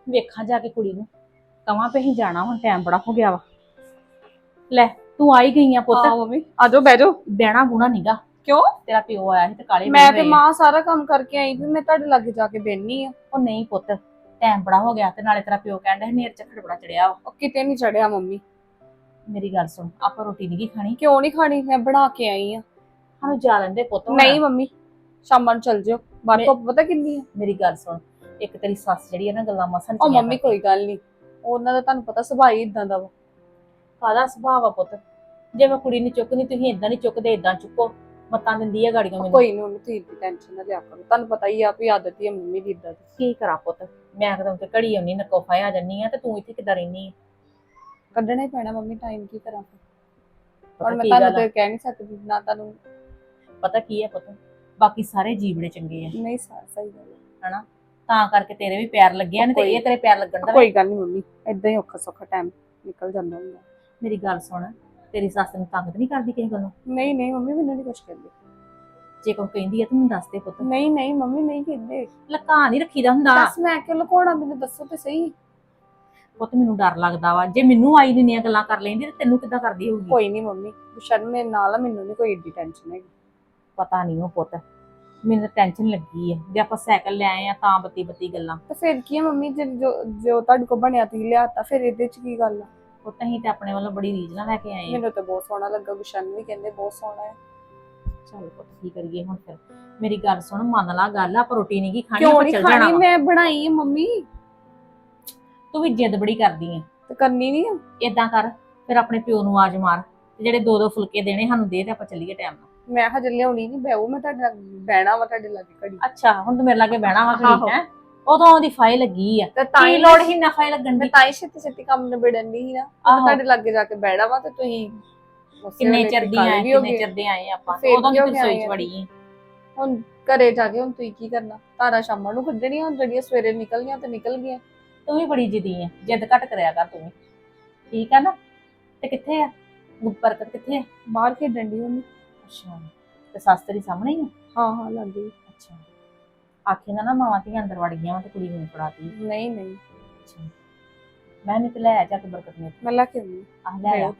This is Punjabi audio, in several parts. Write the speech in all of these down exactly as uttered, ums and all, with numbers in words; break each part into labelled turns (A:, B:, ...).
A: ਵੇਖਾਂ ਜਾ ਕੇ ਕੁੜੀ ਨੂੰ ਕਵਾਂ ਪੇ ਹੀ ਜਾਣਾ ਹੁਣ ਟਾਈਮ ਬੜਾ ਹੋ ਗਿਆ ਵਾ। ਲੈ ਤੂੰ ਆਈ ਗਈ ਆ ਪੁੱਤ।
B: ਹਾਂ ਮੰਮੀ ਆ ਜਾਓ ਬਹਿ ਜਾਓ।
A: ਬਹਿਣਾ ਬੁਣਾ ਨੀਗਾ।
B: ਕਿਉਂ?
A: ਤੇਰਾ ਪਿਓ ਆਇਆ ਸੀ ਤੇ ਕਾਲੇ
B: ਮੈਂ ਤੇ ਮਾਂ ਸਾਰਾ ਕੰਮ ਕਰਕੇ ਆਈ ਵੀ ਮੈਂ ਤੁਹਾਡੇ ਲਾਗੇ ਜਾ ਕੇ ਬੈਣੀ ਆ।
A: ਉਹ ਨਹੀਂ ਪੁੱਤ ਟਾਈਮ ਬੜਾ ਹੋ ਗਿਆ ਤੇ ਨਾਲੇ ਤੇਰਾ ਪਿਓ ਕਹਿੰਦਾ ਨੇਰ ਝੱਖੜ ਬੜਾ ਚੜਿਆ ਵਾ।
B: ਉਹ ਕਿਤੇ ਨਹੀਂ ਚੜਿਆ ਮੰਮੀ।
A: ਮੇਰੀ ਗੱਲ ਸੁਣ ਆਪਾਂ ਰੋਟੀ ਨਹੀਂ ਖਾਣੀ।
B: ਕਿਉਂ ਨਹੀਂ ਖਾਣੀ? ਮੈਂ ਬਣਾ ਕੇ ਆਈ ਆ।
A: ਸਾਨੂੰ ਜਾ ਲੈਂਦੇ ਪੁੱਤ।
B: ਨਹੀਂ ਮੰਮੀ ਸ਼ਾਮਾਂ ਨੂੰ ਚੱਲ ਜਿਓ। ਬਾਹਰ ਧੁੱਪ ਪਤਾ ਕਿੰਨੀ ਆ।
A: ਮੇਰੀ ਗੱਲ ਸੁਣ ਇੱਕ ਤੇਰੀ ਸੱਸ ਜਿਹੜੀ ਆ ਨਾ ਗੱਲਾਂ ਮਸਨ
B: ਉਹ ਮੰਮੀ ਕੋਈ ਗੱਲ ਨਹੀਂ, ਉਹਨਾਂ ਦਾ ਤੁਹਾਨੂੰ ਪਤਾ ਸੁਭਾਅ ਹੀ ਇਦਾਂ ਦਾ ਵਾ।
A: ਕਾਹਦਾ ਸੁਭਾਅ ਆ ਪੁੱਤ? ਜੇ ਮੈਂ ਕੁੜੀ ਨੂੰ ਚੁੱਕਣੀ ਤੁਸੀਂ ਇਦਾਂ ਨਹੀਂ ਚੁੱਕਦੇ, ਇਦਾਂ ਚੁੱਕੋ। ਮਤਾਂ ਦਿੰਦੀ ਆ ਗਾੜੀਆਂ ਮੈਨੂੰ।
B: ਕੋਈ ਨਹੀਂ ਮੰਮੀ ਤੁਸੀਂ ਦੀ ਟੈਨਸ਼ਨ ਨਾ ਲਿਆ ਕਰੋ, ਤੁਹਾਨੂੰ ਪਤਾ ਹੀ ਆ ਵੀ ਆਦਤ ਹੀ ਆ ਮੰਮੀ ਦੀ ਇਦਾਂ ਦੀ।
A: ਕੀ ਕਰਾਂ ਪੁੱਤ, ਮੈਂ ਕਦਮ ਤੇ ਘੜੀ ਆਉਣੀ ਨਕੋਫਾ ਆ ਜੰਨੀ ਆ ਤੇ ਤੂੰ ਇੱਥੇ ਕਿੱਦਾਂ ਰਹਿਨੀ ਆ?
B: ਕੱਢਣਾ ਹੀ ਪੈਣਾ ਮੰਮੀ, ਟਾਈਮ ਕੀ ਕਰਾਂ
A: ਪਤਾ
B: ਹੁਣ ਮੈਂ
A: ਕੀ
B: ਤੁਹਾਨੂੰ
A: ਗੱਲ ਆ?
B: ਤੇ ਕਹਿ ਨਹੀਂ ਸਕਦੀ ਨਾ ਤੁਹਾਨੂੰ।
A: ਪਤਾ ਕੀ ਹੈ ਪੁੱਤ, ਬਾਕੀ ਸਾਰੇ ਜੀਵ ਬੜੇ ਚੰਗੇ ਆ
B: ਨਹੀਂ ਸਾ- ਸਹੀ ਗੱਲ ਹੈ।
A: ਹਨਾ, ਤਾਂ ਕਰਕੇ ਤੇਰੇ ਵੀ ਪੈਰ ਲੱਗੇ ਆ ਨੇ ਤੇ
B: ਕੋਈ-
A: ਇਹ ਤੇਰੇ ਪੈਰ ਲੱਗਣ ਦਾ।
B: ਕੋਈ ਗੱਲ ਨਹੀਂ ਮੰਮੀ, ਏਦਾਂ ਹੀ ਔਖਾ ਸੌਖਾ ਟਾਈਮ ਨਿਕਲ ਜਾਂਦਾ ਹੁੰਦਾ।
A: ਮੇਰੀ ਗੱਲ ਸੁਣ, ਤੇਰੀ ਸੱਸ ਨੂੰ ਤੰਗ ਤਾਂ ਨਹੀਂ ਕਰਦੀ ਕਿਸੇ ਗੱਲੋਂ?
B: ਨਹੀਂ ਨਹੀਂ ਮੰਮੀ ਮੈਨੂੰ ਨਹੀਂ ਕੁਛ ਕਹਿੰਦੇ।
A: ਜੇ ਕੋਈ ਕਹਿੰਦੀ ਆ ਤੂੰ ਮੈਨੂੰ ਦੱਸ ਦੇ ਪੁੱਤ।
B: ਨਹੀਂ ਨਹੀਂ ਮੰਮੀ ਨਹੀਂ ਕਹਿੰਦੇ।
A: ਲੁਕਾ ਨਹੀਂ ਰੱਖੀਦਾ ਹੁੰਦਾ
B: ਦੱਸ ਮੈਂ ਕਿਉਂ ਲੁਕਾਉਣਾ, ਮੈਨੂੰ ਦੱਸੋ ਤੇ ਸਹੀ।
A: ਪੁੱਤ ਮੈਨੂੰ ਡਰ ਲੱਗਦਾ ਵਾ, ਜੇ ਮੈਨੂੰ ਆਈ ਦਿੰਦੀਆਂ ਗੱਲਾਂ ਕਰ ਲੈਂਦੀ ਤੇ ਤੈਨੂੰ ਕਿੱਦਾਂ ਕਰਦੀ ਹੋਊਗੀ?
B: ਕੋਈ ਨਹੀਂ ਮੰਮੀ ਸ਼ਰਮ ਮੇਰੇ ਨਾਲ ਆ, ਮੈਨੂੰ ਨਹੀਂ ਕੋਈ ਏਡੀ ਟੈਨਸ਼ਨ ਹੈਗੀ।
A: ਪਤਾ ਨਹੀਂ ਉਹ ਪੁੱਤ, ਮੈਨੂੰ ਟੈਨਸ਼ਨ ਲੱਗੀ ਆ ਜੇ ਆਪਾਂ ਸਾਈਕਲ ਲੈ ਆਏ ਆ ਤਾਂ ਬੱਤੀ ਬੱਤੀ ਗੱਲਾਂ।
B: ਤੇ ਫਿਰ ਕੀ ਹੈ ਮੰਮੀ, ਜੇ ਜੋ ਜੋ ਤੁਹਾਡੇ ਕੋਲ ਬਣਿਆ ਤੁਸੀਂ ਲਿਆਤਾ, ਫਿਰ ਇਹਦੇ ਚ ਕੀ ਗੱਲ ਆ।
A: ਪੁੱਤ ਅਸੀਂ ਤੇ ਆਪਣੇ ਵੱਲੋਂ ਬੜੀ ਰੀਝ ਨਾਲ ਲੈ ਕੇ ਆਏ ਆ।
B: ਮੈਨੂੰ ਤਾਂ ਬਹੁਤ ਸੋਹਣਾ ਲੱਗਾ, ਗੁਸ਼ਨ ਵੀ ਕਹਿੰਦੇ ਬਹੁਤ ਸੋਹਣਾ ਹੈ।
A: ਚੱਲ ਪੁੱਤ ਕੀ ਕਰੀਏ ਹੁਣ ਫਿਰ। ਮੇਰੀ ਗੱਲ ਸੁਣ, ਮੰਨ ਲਾ ਗੱਲ, ਆਪਾਂ ਰੋਟੀ ਨਹੀਂ ਗੀ ਖਾਣੀ,
B: ਕਿਉਂ
A: ਆਪਾਂ
B: ਨਹੀਂ
A: ਚੱਲ ਜਾਣਾ
B: ਖਾਣੀ?
A: ਵਾ।
B: ਮੈਂ ਬਣਾਈ ਹੈ ਮੰਮੀ।
A: ਤੂੰ ਵੀ ਜਿੱਦ ਬੜੀ ਕਰਦੀ ਆ।
B: ਤੇ ਕਰਨੀ ਨਹੀਂ ਆ।
A: ਏਦਾਂ ਕਰ ਫਿਰ ਆਪਣੇ ਪਿਓ ਨੂੰ ਆਵਾਜ਼ ਮਾਰ ਤੇ ਜਿਹੜੇ ਦੋ ਦੋ ਫੁਲਕੇ ਦੇਣੇ ਸਾਨੂੰ ਦੇ ਤੇ ਆਪਾਂ ਚੱਲੀਏ ਟਾਈਮ ਨਾਲ।
B: ਮੈਂ ਹਜੇ ਲਿਆਉਣੀ ਨਹੀਂ, ਬੈਉ ਮੈਂ ਤੁਹਾਡੇ ਨਾਲ ਬਹਿਣਾ ਵਾ ਤੁਹਾਡੇ ਲਾਗੇ ਘੜੀ।
A: ਅੱਛਾ ਹੁਣ ਤੂੰ ਮੇਰੇ ਲਾਗੇ ਬਹਿਣਾ ਵਾ
B: ਆਹੋ।
A: ਘੜੀ ਹੈ? ਉਦੋਂ ਉਹਦੀ ਫਾਈ ਲੱਗੀ ਆ,
B: ਤੇ ਤਾਂ
A: ਕੀ
B: ਹੀ
A: ਲੋੜ ਹੀ ਨਾ ਫਾਈ ਲੱਗਣ
B: ਮੈਂ
A: ਦੀ।
B: ਤਾਂ ਹੀ ਛੇਤੀ ਛੇਤੀ ਕੰਮ ਨਿਬੜਨ ਦੀ ਸੀ ਨਾ। ਮੈਂ
A: ਆਹੋ।
B: ਤੁਹਾਡੇ ਲਾਗੇ ਜਾ ਕੇ ਬਹਿਣਾ ਵਾ ਤੇ ਤੁਸੀਂ ਉਸੇ
A: ਕਿੰਨੇ
B: ਵੇਲੇ
A: ਚਿਰ ਦੀ
B: ਗੱਲ
A: ਆਏ
B: ਵੀ ਹੋ
A: ਕਿੰਨੇ
B: ਗਈ।
A: ਚਿਰ ਦੇ ਆਏ ਆਪਾਂ,
B: ਫੇਰ
A: ਉਦੋਂ
B: ਕੀ ਹੋ
A: ਦੀ
B: ਗਿਆ
A: ਰਸੋਈ ਚ
B: ਆਏ
A: ਵੜੀ ਆ।
B: ਹੁਣ ਘਰੇ ਜਾ ਕੇ ਹੁਣ ਤੁਸੀਂ ਕੀ ਕਰਨਾ? ਤਾਰਾ ਸ਼ਾਮਾਂ ਨੂੰ ਕੱਢਣੀਆਂ, ਹੁਣ ਜਿਹੜੀਆਂ ਸਵੇਰੇ ਨਿਕਲ ਗਈਆਂ ਤੇ ਨਿਕਲ ਗਈਆਂ।
A: ਤੂੰ ਵੀ ਬੜੀ ਜਿੱਦੀ ਆ, ਜਿੱਦ ਘੱਟ ਕਰਿਆ ਕਰ ਤੂੰ ਵੀ, ਠੀਕ ਆ ਨਾ? ਤੇ ਕਿੱਥੇ ਆ ਬਰਕਤ, ਕਿੱਥੇ ਆ?
B: ਬਾਹਰ ਖੇਡਣ ਦੀ ਉਹਨੂੰ।
A: ਅੱਛਾ ਤੇ ਸੱਸ ਤੇਰੀ ਸਾਹਮਣੇ ਹੀ ਆ?
B: ਹਾਂ ਹਾਂ ਲੱਗ ਗਈ।
A: ਅੱਛਾ ਆਖੇ ਨਾ ਨਾ ਮਾਵਾਂ ਧੀਆਂ ਅੰਦਰ ਵੜ ਗਈਆਂ ਵਾ ਤੇ ਕੁੜੀ ਨੂੰ ਫੜਾਤੀ।
B: ਨਹੀਂ ਨਹੀਂ
A: ਅੱਛਾ ਮੈਂ ਨਹੀਂ ਤੇ ਲੈ ਆ ਜਾ ਕੇ ਬਰਕਤ ਨੇ।
B: ਮੈਂ ਲਾ ਕੇ ਆਉਂਦੀ
A: ਆ ਲੈ ਆ।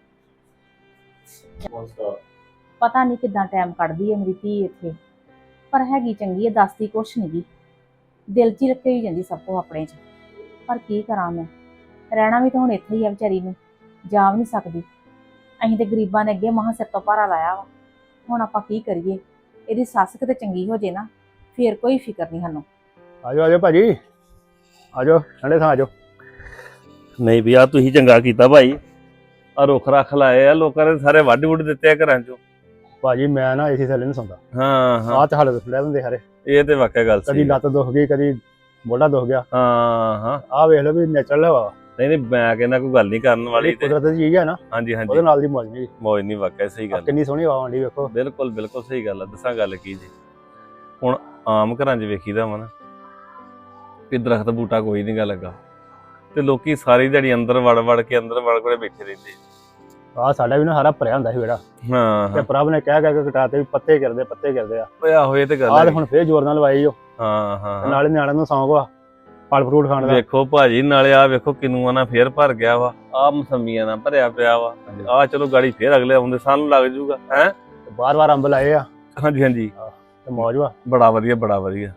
A: ਪਤਾ ਨਹੀਂ ਕਿੱਦਾਂ ਟਾਈਮ ਕੱਢਦੀ ਹੈ ਮੇਰੀ ਧੀ ਇੱਥੇ, ਪਰ ਹੈਗੀ ਚੰਗੀ ਹੈ, ਦੱਸਦੀ ਕੁਛ ਨਹੀਂ ਗੀ, ਦਿਲ 'ਚ ਹੀ ਰੱਖੇ ਹੀ ਜਾਂਦੀ ਸਭ ਕੁਝ ਆਪਣੇ 'ਚ। ਪਰ ਕੀ ਕਰਾਂ ਮੈਂ, ਰਹਿਣਾ ਵੀ ਤਾਂ ਹੁਣ ਇੱਥੇ ਹੀ ਆ ਵਿਚਾਰੀ ਨੂੰ, ਜਾ ਵੀ ਨਹੀਂ ਸਕਦੀ। ਅਸੀਂ ਤੇ ਗਰੀਬਾਂ ਨੇ ਅੱਗੇ ਮਹਾਂ ਸਿਰ ਤੋਂ ਭਾਰਾ ਲਾਇਆ ਵਾ, ਹੁਣ ਆਪਾਂ ਕੀ ਕਰੀਏ? ਇਹਦੀ ਸੱਸ ਕਿਤੇ ਚੰਗੀ ਹੋ ਜੇ ਨਾ ਫੇਰ ਕੋਈ ਫਿਕਰ ਨਹੀਂ ਸਾਨੂੰ।
C: ਆਜੋ ਆਜੋ ਭਾਜੀ, ਆਜੋ ਠੰਡੇ ਥਾਂ ਆਜੋ।
D: ਨਹੀਂ ਵੀ ਆ ਤੁਸੀਂ ਚੰਗਾ ਕੀਤਾ ਭਾਈ, ਆ ਰੁੱਖ ਰੱਖ ਲਾਏ ਆ, ਲੋਕਾਂ ਨੇ ਸਾਰੇ ਵੱਢ ਵੁੱਢ ਦਿੱਤੇ ਆ ਘਰਾਂ ਚੋਂ।
C: ਭਾਜੀ ਮੈਂ ਨਾ ਏਸੀ ਥੱਲੇ ਨਹੀਂ ਸੌਂਦਾ,
D: ਹਾਂ ਹਾਂ
C: ਆਹ ਤੇ ਹਾਲੇ ਲੈ ਦਿੰਦੇ ਸਾਰੇ।
D: ਇਹ ਤੇ ਵਾਕਿਆ ਗੱਲ
C: ਕਦੀ
D: ਸਹੀ।
C: ਲੱਤ ਦੁਖ ਗਈ, ਕਦੀ ਮੋਢਾ ਦੁਖ ਗਿਆ।
D: ਹਾਂ ਹਾਂ
C: ਆਹ ਵੇਖ ਲਓ ਵੀ ਨੈਚੁਰਲ ਹਵਾ,
D: ਨਹੀਂ ਨਹੀਂ ਮੈਂ ਕਹਿੰਦਾ ਕੋਈ ਗੱਲ ਨਹੀਂ ਕਰਨ ਵਾਲੀ ਤੇ।
C: ਕੁਦਰਤ ਦੀ ਚੀਜ਼ ਹੈ ਨਾ,
D: ਹਾਂਜੀ
C: ਉਹਦੇ
D: ਹਾਂਜੀ
C: ਨਾਲ ਦੀ ਮੌਜ ਨਹੀਂ।
D: ਮੌਜ ਨਹੀਂ, ਵਾਕਿਆ ਸਹੀ ਗੱਲ।
C: ਕਿੰਨੀ ਸੋਹਣੀ ਹਵਾ ਆਉਂਦੀ ਵੇਖੋ।
D: ਬਿਲਕੁਲ ਬਿਲਕੁਲ ਸਹੀ ਗੱਲ ਆ। ਦੱਸਾਂ ਗੱਲ ਕੀ ਜੀ, ਹੁਣ ਆਮ ਘਰਾਂ 'ਚ ਵੇਖੀਦਾ ਵਾ ਨਾ ਵੀ ਦਰਖਤ ਬੂਟਾ ਕੋਈ ਨਹੀਂ ਗਾ ਲੱਗਾ, ਤੇ ਲੋਕੀ ਸਾਰੀ ਦਿਹਾੜੀ ਅੰਦਰ ਵੜ ਵੜ ਕੇ ਅੰਦਰ ਵੜ ਵੜ ਬੈਠੇ ਰਹਿੰਦੇ।
C: ਆਹ ਸਾਡਾ ਵੀ ਨਾ ਸਾਰਾ ਭਰਿਆ ਹੁੰਦਾ ਸੀ ਵਿਹੜਾ,
D: ਹਾਂ
C: ਤੇ
D: ਹਾਂ
C: ਪ੍ਰਭ ਨੇ ਕਹਿ ਕਹਿ ਕੇ ਕਟਾਤੇ ਵੀ ਪੱਤੇ ਕਰਦੇ ਪੱਤੇ ਕਰਦੇ ਆ।
D: ਓਏ ਆਹੋ ਇਹ ਤੇ ਗੱਲ
C: ਆਹ ਤੇ
D: ਹੈ।
C: ਹੁਣ ਫੇਰ ਜ਼ੋਰ ਨਾਲ ਲਵਾਈ ਓ,
D: ਹਾਂ ਹਾਂ
C: ਤੇ
D: ਹਾਂ।
C: ਨਾਲੇ ਨਿਆਣਿਆਂ ਨੂੰ ਸੌਂਕ ਵਾ ਫਲ ਫਰੂਟ ਖਾਣ ਦਾ।
D: ਵੇਖੋ ਭਾਜੀ, ਨਾਲੇ ਆ ਵੇਖੋ ਕਿਨੂਆਂ ਨਾਲ ਫੇਰ ਭਰ ਗਿਆ ਵਾ, ਆ ਮਸੰਮੀਆਂ ਨਾਲ ਭਰਿਆ ਪਿਆ ਵਾ। ਆ ਚਲੋ ਗਾੜੀ ਫੇਰ ਅਗਲੇ ਆਉਂਦੇ ਸਾਨੂੰ ਲੱਗ ਜੂਗਾ ਹੈ।
C: ਬਾਰ ਬਾਰ ਅੰਬ ਲਾਏ ਆ
D: ਹਾਂਜੀ ਹਾਂਜੀ
C: ਤੇ ਮੌਜ ਵਾ।
D: ਬੜਾ ਵਧੀਆ ਬੜਾ ਵਧੀਆ।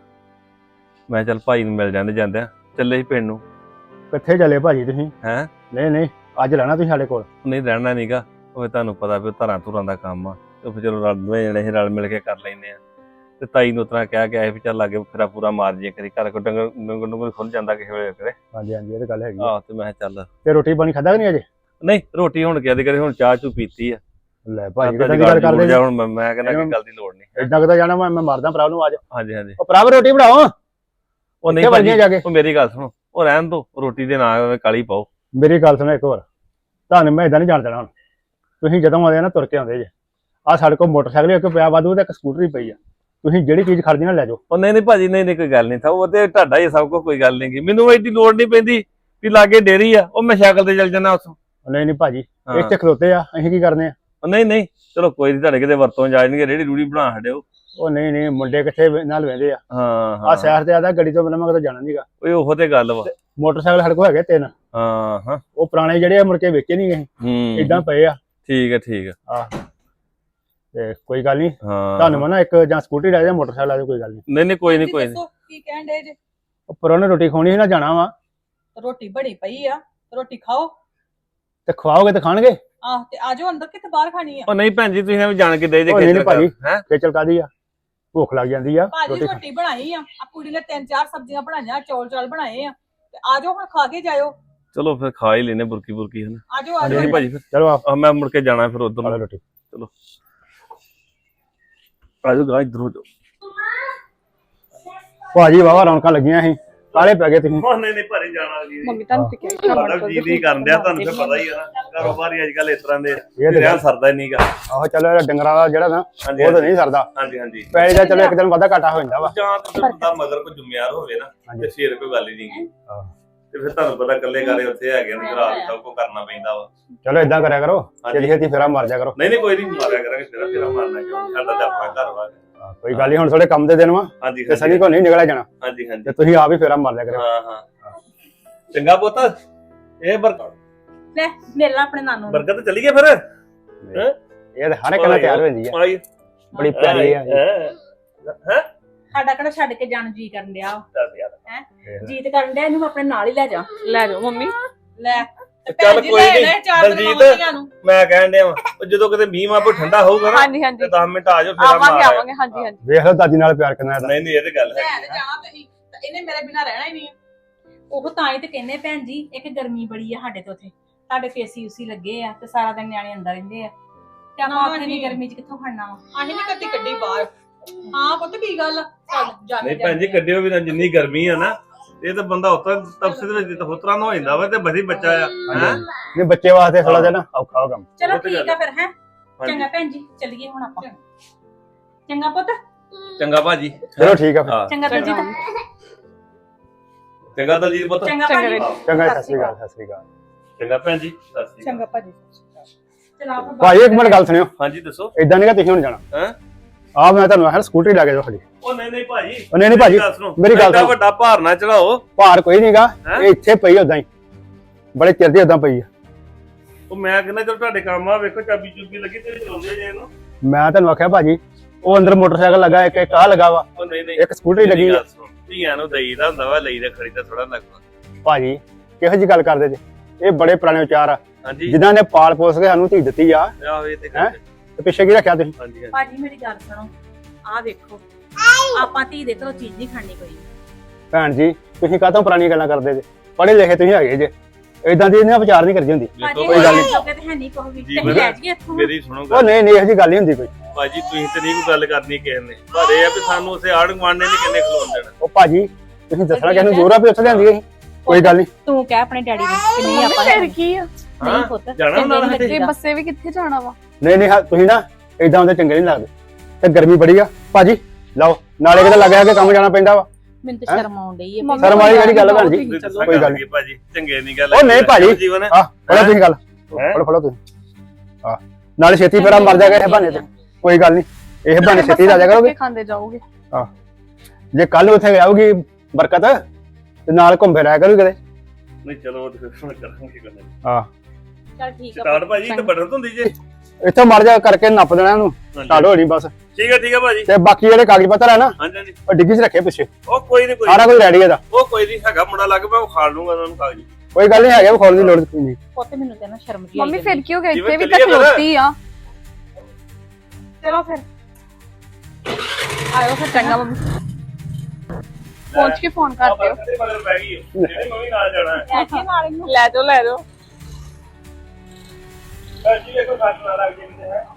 D: ਮੈਂ ਚੱਲ ਭਾਈ ਨੂੰ ਮਿਲ ਜਾਂਦੇ ਜਾਂਦੇ ਚੱਲੇ ਸੀ ਪਿੰਡ ਨੂੰ।
C: ਕਿੱਥੇ ਚੱਲੇ ਭਾਜੀ ਤੁਸੀਂ?
D: ਹੈਂ?
C: ਨਹੀਂ ਨਹੀਂ ਅੱਜ ਰਹਿਣਾ ਤੁਸੀਂ ਸਾਡੇ ਕੋਲ।
D: ਨਹੀਂ ਰਹਿਣਾ ਨੀਗਾ, ਉਹ ਤੁਹਾਨੂੰ ਪਤਾ ਵੀ ਧਰਾਂ ਧੁਰਾਂ ਦਾ ਕੰਮ ਆ, ਤੇ ਫਿਰ ਚਲੋ ਰਲ ਦੋਵੇਂ ਜਣੇ ਅਸੀਂ ਰਲ ਮਿਲ ਕੇ ਕਰ ਲੈਂਦੇ ਆ। ਤੇ ਤਾਈ ਨੂੰ ਉਤਰਾ ਕਹਿ ਕੇ ਆਏ ਵੀ ਚੱਲ ਲਾਗੇ ਫੇਰਾ ਪੂਰਾ ਮਾਰ ਜੇ ਕਰੀ, ਘਰ ਕੋ ਡੰਗਰ ਡੰਗਰ ਡੰਗਰ ਖੁੱਲ ਜਾਂਦਾ ਕਿਸੇ ਵੇਲੇ ਕਰੇ।
C: ਹਾਂਜੀ ਹਾਂਜੀ ਇਹ ਤਾਂ ਗੱਲ ਹੈਗੀ ਆ।
D: ਆਹ ਤੇ ਮੈਂ ਕਿਹਾ ਚੱਲ।
C: ਤੇ ਰੋਟੀ ਪਾਣੀ ਖਾਧਾ ਕਿ ਨਹੀਂ ਅਜੇ?
D: ਨਹੀਂ ਰੋਟੀ ਹੁਣ ਕਿਹਾ ਕਰੇ, ਹੁਣ ਚਾਹ ਚੂ ਪੀਤੀ ਆ।
C: ਲੈ ਭਾਜੀ
D: ਤਾਂ
C: ਕਿੱਦਾਂ ਦੀ ਗੱਲ ਕਰਦੇ ਜੀ?
D: ਹੁਣ ਮੈਂ- ਮੈਂ ਕਹਿੰਦਾ ਕੋਈ ਗੱਲ ਦੀ ਲੋੜ ਨਹੀਂ।
C: ਏਦਾਂ ਕਿੱਦਾਂ ਜਾਣਾ? ਮੈਂ ਮੈਂ ਮਾਰਦਾ ਭਰਾ ਨੂੰ। ਆ ਜਾ
D: ਹਾਂਜੀ ਹਾਂਜੀ
C: ਉਹ ਭਰਾ ਰੋਟੀ ਬਣਾਓ।
D: ਉਹ ਨਹੀਂ
C: ਕਿੱਥੇ
D: ਭਾਜੀ,
C: ਵੜਨੀਆਂ ਜਾ ਕੇ?
D: ਉਹ ਮੇਰੀ ਗੱਲ ਸੁਣੋ, ਉਹ ਰਹਿਣ ਦੋ, ਰੋਟੀ ਦੇ ਨਾਲ ਕਾਲੀ ਪਾਓ।
C: ਮੇਰੀ ਗੱਲ ਸੁਣੋ ਇੱਕ ਵਾਰ, ਤੁਹਾਨੂੰ ਮੈਂ ਇਦਾਂ ਨਹੀਂ ਜਾਣ ਦੇਣਾ ਹੁਣ। ਤੁਸੀਂ ਜਦੋਂ ਆਉਂਦੇ ਆ ਨਾ ਤੁਰ ਕੇ ਆਉਂਦੇ ਜੇ। ਆਹ ਸਾਡੇ ਕੋਲ ਮੋਟਰਸਾਈਕਲ ਇੱਕ ਪਿਆ ਵਾਧੂ ਤੇ ਇੱਕ ਸਕੂਟਰੀ ਪਈ ਆ, ਤੁਸੀਂ ਜਿਹੜੀ ਚੀਜ਼ ਖੜਦੀ ਨਾ ਲੈ ਜਾਓ।
D: ਉਹ ਨਹੀਂ ਨਹੀਂ ਭਾਜੀ, ਨਹੀਂ ਨਹੀਂ ਕੋਈ ਗੱਲ ਨਹੀਂ ਥਾ, ਉਹ ਤੇ ਤੁਹਾਡਾ ਹੀ ਸਭ ਕੁਝ, ਕੋਈ ਗੱਲ ਨਹੀਂ ਗੀ। ਮੈਨੂੰ ਐਡੀ ਲੋੜ ਨਹੀਂ ਪੈਂਦੀ ਵੀ ਲਾਗੇ ਡੇਰੀ ਆ, ਉਹ ਮੈਂ ਸਾਈਕਲ ਤੇ ਚੱਲ ਜਾਣਾ ਉੱਥੋਂ।
C: ਨਹੀਂ ਨਹੀਂ ਭਾਜੀ
D: ਹਾਂ।
C: ਇੱਥੇ ਖਲੋਤੇ ਆ, ਅਸੀਂ ਕੀ ਕਰਨੇ ਆ?
D: ਉਹ ਨਹੀਂ ਨਹੀਂ ਚਲੋ ਕੋਈ ਨਹੀਂ, ਤੁਹਾਡੇ ਕਿਤੇ ਵਰਤੋਂ ਜਾ ਜਾਣਗੇ, ਰੇੜੀ ਰੂੜੀ ਬਣਾ ਛੱਡਿਓ।
C: ਉਹ ਨਹੀਂ ਨਹੀਂ ਮੁੰਡੇ ਕਿੱਥੇ ਵੇ- ਨਾਲ ਵਹਿੰਦੇ ਆ
D: ਹਾਂ
C: ਆ
D: ਹਾਂ
C: ਸ਼ਹਿਰ ਤੇ ਆਦਾ ਗੱਡੀ ਤੋਂ ਬਿਨਾਂ ਮੈਂ ਕਿਤੇ ਜਾਣਾ ਨਹੀਂਗਾ।
D: ਓਏ ਉਹੋ ਤੇ ਗੱਲ ਵਾ।
C: ਮੋਟਰਸਾਈਕਲ ਸਾਡੇ ਕੋਲ ਹੈਗੇ ਤਿੰਨ,
D: ਹਾਂ ਹਾਂ
C: ਉਹ ਪੁਰਾਣੇ ਜਿਹੜੇ ਆ ਮੁੜ ਕੇ ਵੇਚੇ ਨਹੀਂ ਗਏ,
D: ਹੂੰ
C: ਇਦਾਂ ਪਏ ਆ।
D: ਠੀਕ ਹੈ ਠੀਕ ਹੈ
C: ਆ ਤੇ ਕੋਈ ਗੱਲ ਨਹੀਂ,
D: ਹਾਂ
C: ਤੁਹਾਨੂੰ ਮੈਂ ਨਾ ਇੱਕ ਜਾਂ ਸਕੂਟਰੀ ਲੈ ਜਾ ਮੋਟਰਸਾਈਕਲ ਆ ਜਾ, ਕੋਈ ਗੱਲ ਨਹੀਂ।
D: ਨਹੀਂ ਨਹੀਂ ਕੋਈ ਨਹੀਂ ਕੋਈ ਨਹੀਂ
B: ਦੱਸੋ ਕੀ ਕਹਿਣ ਦੇ ਜੇ?
C: ਉਹ ਪਰੋਣੇ ਰੋਟੀ ਖਾਣੀ ਸੀ ਨਾ, ਜਾਣਾ ਵਾ
B: ਰੋਟੀ ਬਣੀ ਪਈ ਆ, ਰੋਟੀ ਖਾਓ।
C: ਤੇ ਖਵਾਓਗੇ ਤੇ ਖਾਣਗੇ।
B: ਆਹ ਤੇ ਆਜੋ ਅੰਦਰ, ਕਿਤੇ ਬਾਹਰ ਖਾਣੀ ਆ।
D: ਉਹ ਨਹੀਂ ਭੈਣ ਜੀ ਤੁਸੀਂ ਐਵੇਂ ਜਾਣ ਕੇ ਦੇ ਜੇ
C: ਉਹ ਨਹੀਂ ਨਹੀਂ ਭਾਜੀ,
D: ਹੈ
C: ਖੇਚਲ ਕਾਦੀ ਆ, ਭੁੱਖ ਲੱਗ ਜਾਂਦੀ ਆ।
B: ਭਾਜੀ
C: ਰੋਟੀ ਖਾ-
B: ਰੋਟੀ ਬਣਾਈ ਆ, ਆ ਕੁੜੀ ਨੇ ਤਿੰਨ ਚਾਰ ਸਬਜ਼ੀਆਂ ਬਣਾਈਆਂ, ਚੌਲ ਚਾਲ ਬਣਾਏ ਆ, ਤੇ ਆਜੋ ਹੁਣ ਖਾ ਕੇ ਜਾਇਓ।
D: ਚਲੋ ਫਿਰ ਖਾ ਹੀ ਲੈਨੇ ਬੁਰਕੀ ਬੁਰਕੀ ਹਨ।
B: ਆਜੋ
C: ਹਾਂਜੀ,
B: ਆਜੋ
D: ਨਹੀਂ ਭਾਜੀ ਫਿਰ
C: ਚਲੋ ਆ
D: ਆਹ ਮੈਂ ਮੁੜ ਕੇ ਜਾਣਾ ਫਿਰ ਉਧਰ
C: ਖਾ ਲਓ
D: ਨੂੰ।
C: ਰੋਟੀ।
D: ਆਜੋ ਗਾ ਇਧਰ ਹੋ ਜਾਓ।
C: ਭਾਜੀ ਵਾਵਾ ਰੌਣਕਾਂ ਲੱਗੀਆਂ ਸੀ, ਕਾਲੇ ਪੈ ਗਏ ਤੁਸੀਂ।
D: ਉਹ ਨਹੀਂ ਨਹੀਂ ਭਾਰੀ ਜਾਣਾ ਜੀ
B: ਮੰਮੀ ਤੁਹਾਨੂੰ ਤੇ ਕਿਹਾ
D: ਮਤਲਬ ਜੀ ਨਹੀਂ ਕਰਨ ਦਿਆ, ਤੁਹਾਨੂੰ ਫਿਰ ਪਤਾ ਹੀ ਆ ਨਾ ਕਾਰੋਬਾਰੀ ਅੱਜ ਕੱਲ ਇਸ ਤਰ੍ਹਾਂ ਦੇ
C: ਇਹ ਤੇ
D: ਰਿਆ ਸਰਦਾ ਹੀ ਨਹੀਂਗਾ।
C: ਆਹੋ ਚਲੋ ਇਹਦਾ ਡੰਗਰਾਂ ਦਾ ਜਿਹੜਾ ਨਾ
D: ਹਾਂਜੀ
C: ਉਹ ਤਾਂ ਨਹੀਂ ਸਰਦਾ,
D: ਹਾਂਜੀ ਹਾਂਜੀ
C: ਪੈਸੇ ਦਾ ਚਲੋ ਇੱਕ ਦਿਨ ਵਾਧਾ ਘਾਟਾ ਹੋ ਜਾਂਦਾ ਵਾ।
D: ਜਾਂ ਤਾਂ ਬੰਦਾ ਮਗਰ ਕੋਈ ਜ਼ਿੰਮੇਵਾਰ ਹੋਵੇ ਨਾ
C: ਹਾਂਜੀ।
D: ਤੇ ਫੇਰ ਕੋਈ ਗੱਲ ਹੀ ਨਹੀਂ।
C: ਹਾਂ।
D: ਤੇ ਫਿਰ ਤੁਹਾਨੂੰ ਪਤਾ ਇਕੱਲੇ ਘਰੇ ਉੱਥੇ ਹੈਗੇ ਨੇ, ਰਾਤ ਸਭ ਕੁਝ ਕਰਨਾ ਪੈਂਦਾ ਵਾ।
C: ਚਲੋ ਇਦਾਂ ਕਰਿਆ ਕਰੋ,
D: ਹਾਂਜੀ।
C: ਛੇਤੀ ਛੇਤੀ ਫੇਰਾ ਮਾਰ ਜਾ ਕਰੋ।
D: ਨਹੀਂ ਨਹੀਂ ਕੋਈ ਨਹੀਂ ਮਾਰਿਆ ਕਰਾਂਗੇ, ਤੇਰਾ ਫੇਰਾ ਮਾਰਨਾ ਕਿਉਂ, ਸਾਡਾ ਤਾਂ ਆਪਣਾ ਘਰ ਵਾ।
C: ਹਾਂ, ਕੋਈ ਗੱਲ ਨਹੀਂ, ਹੁਣ ਥੋੜੇ ਕੰਮ ਦੇ ਦਿਨ ਵਾ
D: ਹਾਂਜੀ
C: ਤੇ ਸਨੀ
D: ਹਾਂਜੀ
C: ਕੋ ਨਹੀਂ ਨਿਕਲਿਆ ਜਾਣਾ,
D: ਹਾਂਜੀ ਹਾਂਜੀ
C: ਤੇ ਤੁਸੀਂ ਆਪ ਹੀ ਫੇਰਾ ਮਾਰ ਲਿਆ ਕਰਿਓ।
D: ਹਾਂ ਹਾਂ ਚੰਗਾ ਪੁੱਤ, ਇਹ ਬਰਕਤ
A: ਲੈ ਮਿਲ ਲਾ ਆਪਣੇ ਨਾਨੂ ਨੂੰ।
D: ਬਰਕਤ ਚਲੀ ਗਈ ਫਿਰ।
C: ਇਹ ਤਾਂ ਹਰ ਇੱਕ ਨਾਲ ਤਿਆਰ ਹੋ ਜਾਂਦੀ ਆ,
D: ਆਈ
C: ਬੜੀ ਪਿਆਰੀ ਆ।
D: ਹੈ
A: ਸਾਡਾ ਕਿਹੜਾ ਛੱਡ ਕੇ ਜਾਣ ਜੀ ਕਰਨ ਡਿਆ ਵਾ।
D: ਦੱਸ ਯਾਰ
A: ਜੀਤ ਕਰਨ ਡਿਆ, ਇਹਨੂੰ ਆਪਣੇ ਨਾਲ ਹੀ ਲੈ ਜਾ।
B: ਲੈ ਜਾਓ ਮੰਮੀ।
A: ਲੈ ਤੇ
D: ਚੱਲ
A: ਭੈਣ ਜੀ
D: ਕੋਈ
A: ਲੈ
D: ਨੀ,
A: ਲੈ ਚਾਰ ਦਿਨ
D: ਦਲਜੀਤ।
A: ਮੰਮੀਆਂ ਨੂੰ।
D: ਮੈਂ ਕਹਿਣ ਡਿਆ ਵਾਂ, ਉਹ ਜਦੋਂ ਕਿਤੇ ਮੀਂਹ ਮਾਪੋ ਠੰਡਾ ਹੋਊਗਾ ਨਾ
B: ਹਾਂਜੀ ਹਾਂਜੀ
D: ਤੇ ਦਸ ਮਿੰਟ ਆ ਜਾਓ, ਫੇਰ
B: ਆਵਾਂਗੇ
D: ਮਾਰ
B: ਆਵਾਂਗੇ ਹਾਂਜੀ ਹਾਂਜੀ।
C: ਵੇਖ ਲਓ ਦਾਦੀ ਨਾਲ ਪਿਆਰ ਕਿੰਨਾ ਇਹਦਾ।
D: ਨਹੀਂ ਨਹੀਂ ਇਹ ਤੇ ਗੱਲ ਹੈ।
A: ਲੈ ਤੇ ਜਾਣਾ ਤੁਸੀਂ, ਤੇ ਇਹਨੇ ਮੇਰੇ ਬਿਨਾ ਰਹਿਣਾ ਹੀ ਨਹੀਂ। ਉਹ ਤਾਂ ਹੀ ਤੇ ਕਹਿੰਦੇ ਭੈਣ ਜੀ, ਇੱਕ ਗਰਮੀ ਬੜੀ ਆ ਸਾਡੇ ਤੋਂ ਉੱਥੇ, ਸਾਡੇ ਫੇਸੀ ਉਸੀ ਲੱਗੇ ਆ ਤੇ ਸਾਰਾ ਦਿਨ ਨਿਆਣੇ ਅੰਦਰ ਰਹਿੰਦੇ ਆ, ਤੇ ਆਪਾਂ ਉੱਥੇ ਦੀ ਗਰਮੀ ਚ ਕਿੱਥੋਂ ਖੜਨਾ ਵਾ।
B: ਆਹੀ ਨਹੀਂ ਕੱਢੀ ਕੱਢੀ ਬਾਹਰ। ਹਾਂ ਪੁੱਤ ਕੀ ਗੱਲ ਆ? ਚੱਲ ਜਾ
D: ਨਹੀਂ ਭੈਣ ਜੀ ਕੱਢਿਓ ਵੀ ਨਾ, ਜਿੰਨੀ ਗਰਮੀ ਆ ਨਾ, ਇਹ ਤਾਂ ਬੰਦਾ ਉਤਰਾ ਤਪਸੇ ਦੇ ਵਿੱਚ ਹੋਤਰਾ ਨਾ ਹੋ ਜਾਂਦਾ ਵਾ, ਤੇ ਬੜੀ ਬੱਚਾ ਆ ਹੈ।
C: ਨਹੀਂ ਬੱਚੇ ਵਾਸਤੇ ਥੋੜਾ ਜਿਹਾ ਨਾ ਔਖਾ ਹੋ ਕੰਮ।
A: ਚਲੋ
D: ਉਹ ਤੇ
A: ਠੀਕ ਆ ਫਿਰ, ਹੈ
D: ਹਾਂਜੀ।
A: ਚੰਗਾ ਭੈਣ ਜੀ, ਚੱਲੀਏ ਹੁਣ ਆਪਾਂ। ਚੰਗਾ ਪੁੱਤ,
D: ਚੰਗਾ ਭਾਜੀ,
C: ਚਲੋ ਠੀਕ ਆ ਫਿਰ।
D: ਹਾਂ
A: ਚੰਗਾ ਦਲਜੀਤ,
D: ਚੰਗਾ ਦਲਜੀਤ ਪੁੱਤ,
A: ਚੰਗਾ
B: ਚੰਗਾ
A: ਭਾਜੀ,
B: ਵੀਰ।
C: ਚੰਗਾ ਜੀ, ਸਤਿ ਸ਼੍ਰੀ ਅਕਾਲ, ਸਤਿ ਸ਼੍ਰੀ ਅਕਾਲ।
D: ਚੰਗਾ ਭੈਣ ਜੀ, ਸਤਿ ਸ਼੍ਰੀ ਅਕਾਲ।
B: ਚੰਗਾ ਭਾਜੀ।
A: ਚਲ ਆਪਾਂ
C: ਭਾਈ ਇੱਕ ਮਿੰਟ ਗੱਲ ਸੁਣਿਓ,
D: ਹਾਂਜੀ ਦੱਸੋ।
C: ਇਦਾਂ ਨਹੀਂ ਕਿ ਤੁਸੀਂ ਹੁਣ ਜਾਣਾ।
D: ਹੈਂ?
C: ਆ ਮੈਂ ਤੁਹਾਨੂੰ ਆਖਿਆ ਸਕੂਟਰੀ ਲੈ ਕੇ ਜਾਓ ਖਾਲੀ।
D: ਉਹ ਨਹੀਂ ਨਹੀਂ ਭਾਜੀ,
C: ਉਹ ਨਹੀਂ ਨਹੀਂ ਭਾਜੀ,
D: ਗੱਲ ਸੁਣੋ,
C: ਮੇਰੀ ਗੱਲ
D: ਐਡਾ
C: ਸੁਣੋ।
D: ਵੱਡਾ ਭਾਰ ਨਾ ਚੜਾਓ।
C: ਭਾਰ ਕੋਈ ਨਹੀਂਗਾ,
D: ਹੈਂ?
C: ਇਹ ਇੱਥੇ ਪਈ ਉਦਾਂ ਹੀ, ਬੜੇ ਚਿਰ ਦੀ ਉਦਾਂ ਪਈ ਆ।
D: ਉਹ ਮੈਂ ਕਹਿੰਦਾ ਚਲ ਤੁਹਾਡੇ ਕੰਮ ਆ, ਵੇਖੋ ਚਾਬੀ ਚੁੱਬੀ ਲੱਗੀ ਤੇ ਚਲਾਉਂਦੇ ਜੇ ਇਹਨੂੰ।
C: ਮੈਂ ਤੁਹਾਨੂੰ ਆਖਿਆ ਭਾਜੀ, ਉਹ ਅੰਦਰ ਮੋਟਰਸਾਈਕਲ ਲੱਗਾ, ਇੱਕ ਇੱਕ ਆ ਲੱਗਾ ਵਾ,
D: ਉਹ ਨਹੀਂ ਨਹੀਂ
C: ਇੱਕ ਸਕੂਟਰੀ ਲੱਗੀ ਆ।
D: ਧੀਆਂ ਨੂੰ ਦੇਈਦਾ ਹੁੰਦਾ ਵਾ, ਲਈਦਾ ਖਰੀਦਾ ਥੋੜਾ ਲੱਗਦਾ।
C: ਭਾਜੀ ਕਿਹੋ ਜੀ ਗੱਲ ਕਰਦੇ ਜੇ, ਇਹ ਬੜੇ ਪੁਰਾਣੇ ਵਿਚਾਰ ਆ,
D: ਹਾਂਜੀ
C: ਜਿਨ੍ਹਾਂ ਨੇ ਪਾਲ ਪੋਸ ਕੇ ਸਾਨੂੰ ਧੀ ਦਿੱਤੀ ਆ,
D: ਆਹ ਇਹ ਤੇ
C: ਹੈਂ?
D: ਗੱਲ ਹੈ।
C: ਤੇ ਪਿੱਛੇ ਕੀ ਰੱਖਿਆ ਤੁਸੀਂ?
D: ਹਾਂਜੀ ਹਾਂਜੀ
A: ਭਾਜੀ ਮੇਰੀ ਗੱਲ ਸੁਣੋ, ਆਹ ਵੇਖੋ, ਆਪਾਂ ਧੀ ਦੇ ਘਰੋਂ ਚੀਜ਼ ਨਹੀਂ ਖਾਣੀ ਕੋਈ।
C: ਭੈਣ ਜੀ ਤੁਸੀਂ ਕਾਹਤੋਂ ਪੁਰਾਣੀਆਂ ਗੱਲਾਂ ਕਰਦੇ ਜੇ, ਪੜ੍ਹੇ ਲਿਖੇ ਤੁਸੀਂ ਹੈਗੇ ਜੇ, ਇਦਾਂ ਦੀ ਇਹਨਾਂ ਵਿਚਾਰ ਨਹੀਂ ਕਰਦੀ ਹੁੰਦੀ।
A: ਭਾਜੀ
C: ਕੋਈ ਗੱਲ ਨੀ।
A: ਲੋਕੇ ਤੇ ਹੈ ਨਹੀਂ ਕੋਈ ਵੀ,
D: ਜੀ,
A: ਤੇ
D: ਮੈਂ-
A: ਲੈ ਜਾਈਏ ਇੱਥੋਂ।
D: ਮੇਰੀ ਸੁਣੋ
C: ਉਹ
D: ਗੱਲ
C: ਨਹੀਂ ਨਹੀਂ ਇਹੋ ਜੀ ਗੱਲ ਨਹੀਂ ਹੁੰਦੀ ਕੋਈ।
D: ਭਾਜੀ, ਤੁਸੀਂ ਤੇ ਨਹੀਂ ਕੋਈ ਗੱਲ ਕਰਨੀ ਕਿਸੇ ਨੇ, ਪਰ ਇਹ ਆ ਵੀ ਸਾਨੂੰ ਉਸੇ ਆੜ ਗਵਾਂਡੇ ਨੇ ਕਿੰਨੇ ਖਲੋਣ ਦੇਣਾ।
C: ਉਹ ਭਾਜੀ ਤੁਸੀਂ ਦੱਸਣਾ ਕਿਹਨੂੰ ਜ਼ੋਰ ਆ ਵੀ ਉੱਥੇ ਲਿਆਂਦੀ ਅਸੀਂ, ਕੋਈ ਗੱਲ ਨਹੀਂ।
A: ਤੂੰ ਕਹਿ ਆਪਣੇ ਡੈਡੀ ਨੂੰ ਕਿ ਨਹੀਂ ਆਪਾਂ
B: ਫਿਰ ਕੀ ਆ?
A: ਨਹੀਂ ਪੁੱਤ,
D: ਜਾਣਾ
A: ਚੰਗੇ
D: ਨਾਲ
A: ਨੀ
D: ਸਾਡੇ?
B: ਇਹ
A: ਲੱਗੀਦਾ।
B: ਬੱਸੇ ਵੀ ਕਿੱਥੇ ਜਾਣਾ ਵਾ?
C: ਨਹੀਂ ਨਹੀਂ ਹਾਂ, ਤੁਸੀਂ ਨਾ ਇਦਾਂ ਹੁੰਦੇ ਚੰਗੇ ਨਹੀਂ ਲੱਗਦੇ, ਤੇ ਗਰਮੀ ਬੜੀ ਆ ਭਾਜੀ, ਲਓ ਨਾਲੇ ਕਿਤੇ ਲੱਗਿਆ ਕਿ ਕੰਮ ਜਾਣਾ ਪੈਂਦਾ ਵਾ।
A: ਮੈਨੂੰ ਤਾਂ ਸ਼ਰਮ ਆਉਣ ਡਈ ਹੈ।
B: ਮੰਮੀ
C: ਸ਼ਰਮ ਵਾਲੀ ਕਿਹੜੀ ਗੱਲ ਆ ਭੈਣ ਜੀ?
B: ਤੁਸੀਂ
D: ਤੁਸੀਂ
B: ਚਲੋ।
D: ਦੱਸਾਂ
C: ਕੋਈ ਗੱਲ
D: ਗੱਲ
C: ਨੀ।
D: ਕੀ ਭਾਜੀ, ਚੰਗੇ ਨਹੀਂ ਗੱਲ
C: ਉਹ ਨਹੀਂ ਭਾਜੀ।
D: ਜੀਵਨ ਹੈ।
C: ਆ ਫੜੋ ਤੁਸੀਂ ਗੱਲ,
D: ਹੈਂ?
C: ਫੜੋ ਫੜੋ ਤੁਸੀਂ। ਆ ਨਾਲੇ ਛੇਤੀ ਫੇਰਾ ਮਰ ਜਾਏਗਾ ਇਹ ਬਹਾਨੇ ਤੇ, ਕੋਈ ਗੱਲ ਨਹੀਂ, ਇਹ ਬਹਾਨੇ ਛੇਤੀ ਆ ਜਾ ਕਰੋਗੇ।
B: ਖਾਂਦੇ ਜਾਓਗੇ।
C: ਜੇ ਕੱਲ ਉੱਥੇ ਆਊਗੀ ਬਰਕਤ ਤੇ ਨਾਲ ਘੁੰਮੇ ਰਹਿ ਕਰੂ ਕਿਤੇ।
D: ਨਹੀਂ ਚਲੋ ਉਹ ਤੇ ਫਿਰ ਕਰਾਂਗੇ ਗੱਲ।
C: ਆ
A: ਚੱਲ ਠੀਕ ਆ
D: ਸਟਾਰਟ ਭਾਜੀ ਤੇ ਬਟਨ ਹੁੰਦੀ ਜੇ।
C: ਇੱਥੋਂ ਮਰ ਜਾ ਕਰਕੇ ਨੱਪ ਦੇਣਾ ਇਹਨੂੰ, ਸਟਾਰਟ ਹੋ ਨਹੀਂ ਬਸ।
D: ਠੀਕ ਹੈ ਠੀਕ ਹੈ ਭਾਜੀ।
C: ਤੇ ਬਾਕੀ ਜਿਹੜੇ ਕਾਗਜ਼ ਪੱਤਰ ਹੈ ਨਾ,
D: ਹਾਂਜੀ ਹਾਂਜੀ
C: ਉਹ ਡਿੱਗੀ 'ਚ ਰੱਖੇ ਪਿੱਛੇ,
D: ਉਹ ਕੋਈ ਨਹੀਂ ਕੋਈ
C: ਸਾਰਾ ਕੁਝ ਰੈਡੀ ਇਹਦਾ,
D: ਉਹ ਕੋਈ ਨਹੀਂ ਹੈਗਾ ਮੁੰਡਾ ਲੱਗ ਪਿਆ, ਉਹ ਖਾੜ ਲੂੰਗਾ ਉਹਨਾਂ ਨੂੰ ਕਾਗਜ਼।
C: ਕੋਈ ਗੱਲ ਨਹੀਂ ਹੈਗਾ, ਉਹ ਖੋਲਣ ਦੀ ਲੋੜ ਨਹੀਂ।
A: ਪੁੱਤ ਮੈਨੂੰ ਤੇ ਨਾ ਸ਼ਰਮ ਜੀ ਆਈ
B: ਮੰਮੀ
A: ਜਾਂਦੀ।
B: ਫਿਰ ਕੀ ਹੋ ਗਿਆ?
D: ਜਿਵੇਂ
B: ਇੱਥੇ ਵੀ
D: ਚੱਲੀਏ
B: ਤਾਂ
D: ਫਿਰ।
B: ਖਲੋਤੀ ਆ।
A: ਚਲੋ ਫਿਰ
B: ਆਇਓ ਫਿਰ ਚੰਗਾ ਮੰਮੀ। ਪਹੁੰਚ ਕੇ ਫੋਨ ਕਰ ਦਿਓ।
D: ਤੇ ਮਗਰ ਪੈ ਗਈ ਹੈ। ਜਿਹੜੀ ਮੰਮੀ ਨਾਲ ਜਾਣਾ ਹੈ।
A: ਲੈ ਕੇ ਨਾਲ ਇਹਨੂੰ।
B: ਲੈ ਜਾਓ ਲੈ ਜਾਓ।
D: ਭਾਜੀ ਵੇਖੋ ਸੱਟ ਨਾ ਲੱਗ ਜਾਂਦੇ ਹੈ।